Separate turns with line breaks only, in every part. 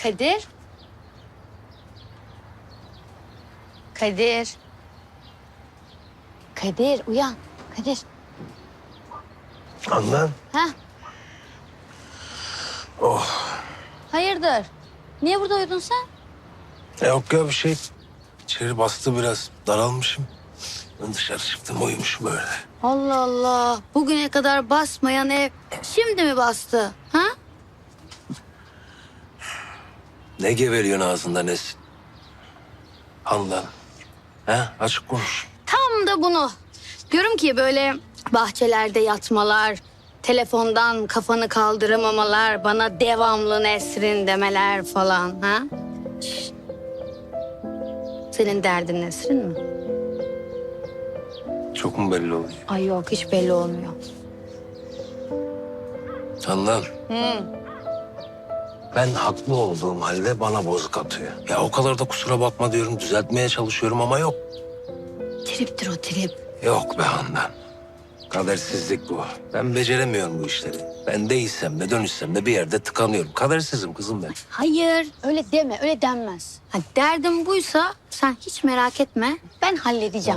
Kadir. Kadir. Kadir uyan. Kadir.
Handan.
Ha?
Oh.
Hayırdır? Niye burada uyudun sen?
Yok ya bir şey. İçeri bastı biraz. Daralmışım. Ben dışarı çıktım uyumuşum öyle.
Allah Allah. Bugüne kadar basmayan ev şimdi mi bastı? Ha?
Ne geveliyorsun ağzında Nesin? Handan. Ha? Açık konuş.
Tam da bunu. Diyorum ki böyle bahçelerde yatmalar, telefondan kafanı kaldıramamalar, bana devamlı Nesrin demeler falan. Ha? Şşt. Senin derdin Nesrin mi?
Çok mu belli oluyor?
Ay yok hiç belli olmuyor.
Handan. Ben haklı olduğum halde bana bozuk atıyor. Ya o kadar da kusura bakma diyorum. Düzeltmeye çalışıyorum ama yok.
Triptir o trip.
Yok be Handan. Kadersizlik bu. Ben beceremiyorum bu işleri. Ben değilsem de dönüşsem de bir yerde tıkanıyorum. Kadersizim kızım ben.
Hayır öyle deme öyle denmez. Ha, derdin buysa sen hiç merak etme ben halledeceğim.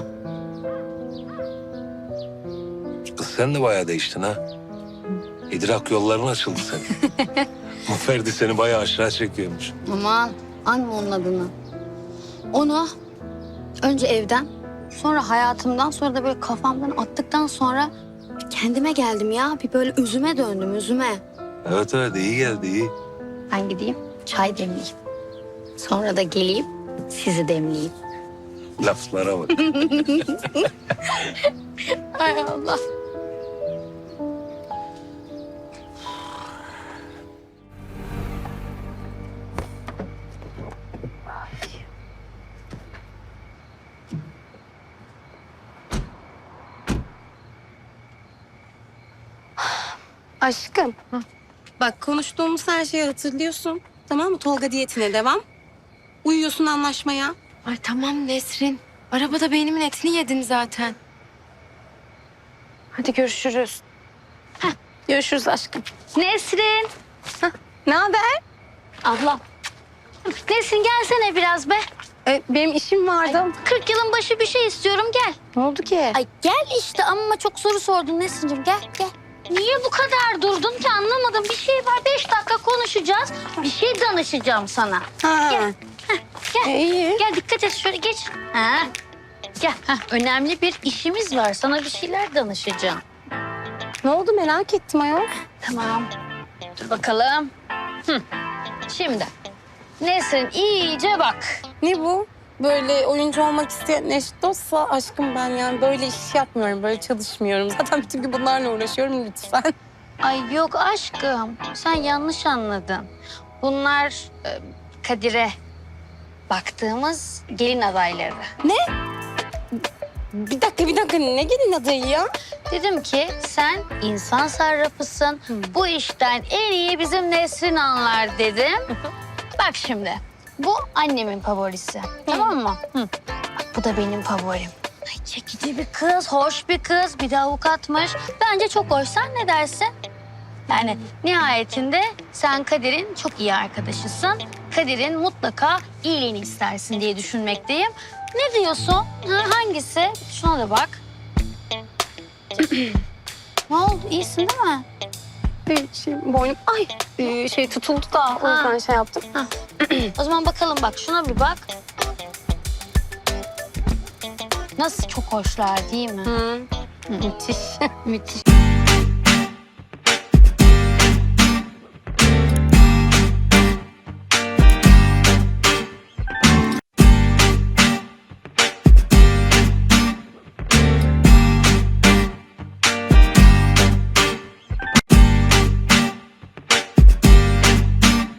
Kız sen de bayağı değiştin ha. İdrak yolların açıldı senin. Bu Ferdi seni bayağı aşağı çekiyormuş.
Aman anma onun adını. Onu önce evden sonra hayatımdan sonra da böyle kafamdan attıktan sonra kendime geldim ya. Bir böyle üzüme döndüm üzüme.
Evet iyi geldi iyi.
Ben gideyim çay demleyeyim. Sonra da geleyim sizi demleyeyim.
Laflara bak.
Ay Allah.
Aşkım. Bak konuştuğumuz her şeyi hatırlıyorsun. Tamam mı? Tolga diyetine devam. Uyuyorsun anlaşmaya.
Ay tamam Nesrin. Arabada beynimin etini yedin zaten. Hadi görüşürüz.
Görüşürüz aşkım. Nesrin.
Ne haber?
Abla. Nesrin gelsene biraz be.
Benim işim vardı.
40 yılın başı bir şey istiyorum gel.
Ne oldu ki?
Ay gel işte amma çok soru sordun Nesrin'cim gel gel. Niye bu kadar durdun ki anlamadım. Bir şey var 5 dakika konuşacağız. Bir şey danışacağım sana.
Ha.
Gel. Gel.
İyi.
Gel dikkat et şöyle geç. Ha. Gel. Ha. Önemli bir işimiz var. Sana bir şeyler danışacağım.
Ne oldu merak ettim ayol.
Tamam. Dur bakalım. Şimdi Nesrin iyice bak.
Ne bu? Böyle oyuncu olmak isteyen eş dostsa aşkım ben yani böyle iş yapmıyorum, böyle çalışmıyorum. Zaten bütün gün bunlarla uğraşıyorum lütfen.
Ay yok aşkım. Sen yanlış anladın. Bunlar Kadir'e baktığımız gelin adayları.
Bir dakika ne gelin adayı ya?
Dedim ki sen insan sarrafısın. Bu işten en iyi bizim Nesrin anlar dedim. Bak şimdi bu annemin favorisi. Tamam mı? Bak, bu da benim favorim. Ay, çekici bir kız, hoş bir kız, bir de avukatmış. Bence çok hoş. Sen ne dersin? Yani nihayetinde sen Kadir'in çok iyi arkadaşısın. Kadir'in mutlaka iyiliğini istersin diye düşünmekteyim. Ne diyorsun? Ha, hangisi? Şuna da bak. Ne oldu? İyisin değil mi?
Boynum şey tutuldu da o yüzden şey yaptım.
O zaman bakalım bak. Şuna bir bak. Nasıl çok hoşlar değil mi?
Müthiş.
Müthiş.